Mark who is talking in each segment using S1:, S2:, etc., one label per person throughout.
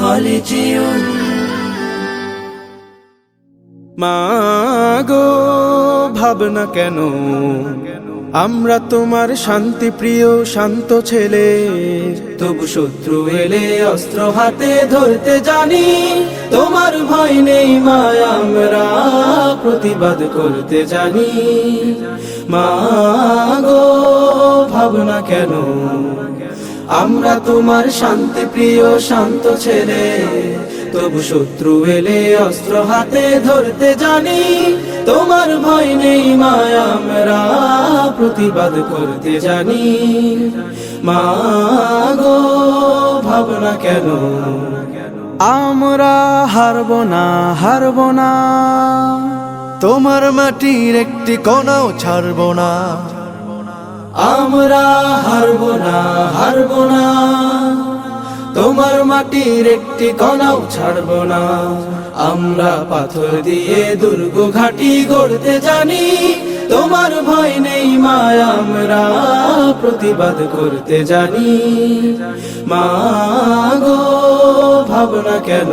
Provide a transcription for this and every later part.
S1: হলিজিয়ন।
S2: মা গো ভাবনা কেন, আমরা তোমার শান্তি প্রিয় শান্ত ছেলে, তবু শত্রু এলে অস্ত্র হাতে ধরতে জানি। তোমার ভয় নেই মা, আমরা প্রতিবাদ করতে জানি। মা গো ভাবনা কেন, আমরা তোমার শান্তি প্রিয় শান্ত ছেলে, তবু শত্রু এলে অস্ত্র হাতে ধরতে জানি। তোমার ভয় নেই মা, আমরা প্রতিবাদ করতে জানি। মা গো ভাবনা কেন, আমরা হারবো না হারবো না,
S1: তোমার মাটির একটি কণাও ছাড়বো না।
S2: আমরা হারবো না হারবো না, তোমার মাটির একটি কণাও ছাড়বো না। আমরা পাথর দিয়ে দুর্গ ঘাঁটি গড়তে জানি। তোমার ভয় নেই মা, আমরা প্রতিবাদ করতে জানি। মা গো ভাবনা কেন,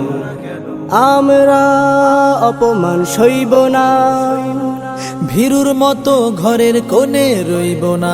S1: আমরা অপমান সইব না, ভীরুর মতো ঘরের কোণে রইব না।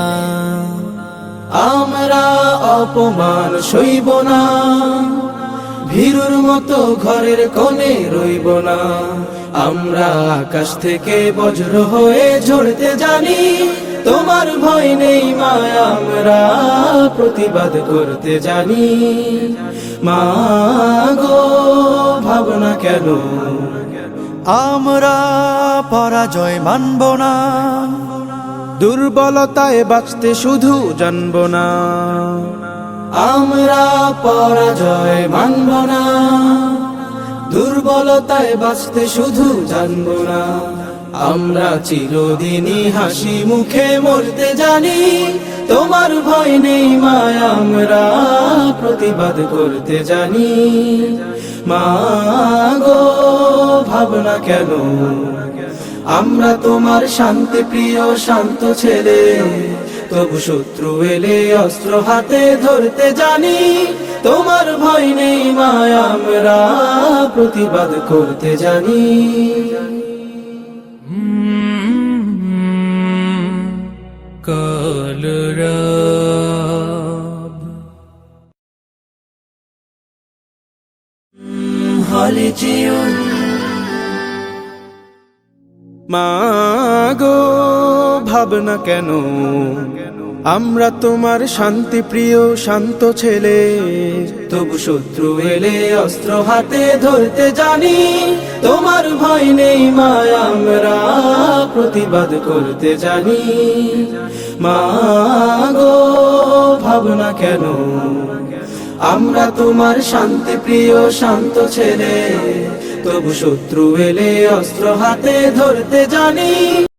S2: আমরা অপমান সইব না, ভীরুর মতো ঘরের কোণে রইব না। আমরা আকাশ থেকে বজ্র হয়ে ঝরতে জানি। তোমার ভয় নেই মা, আমরা প্রতিবাদ করতে জানি। মা গো ভাবনা কেন,
S1: আমরা পরাজয় মানব না,
S2: দুর্বলতায় বাঁচতে শুধু জানব না। আমরা পরাজয় মানব না, দুর্বলতায় বাঁচতে শুধু জানব না। আমরা চিরদিনই হাসি মুখে মরতে জানি। তোমার ভয় নেই মা, আমরা প্রতিবাদ করতে জানি। মা গো ভাবনা কেন, আমরা তোমার শান্তি প্রিয় শান্ত ছেলে, তবু শত্রু এলে অস্ত্র হাতে ধরতে জানি। তোমার ভয় নেই মা, আমরা প্রতিবাদ করতে জানি। কলরব হলিজিয়ন। মা গো ভাবনা কেন, আমরা তোমার শান্তি প্রিয় শান্ত ছেলে, তবু শত্রু এলে অস্ত্র হাতে ধরতে জানি। তোমার ভয় নেই মা, আমরা প্রতিবাদ করতে জানি। মা গো ভাবনা কেন, আমরা তোমার শান্তি প্রিয় শান্ত ছেলে, তবু শত্রু এলে অস্ত্র হাতে ধরতে জানি।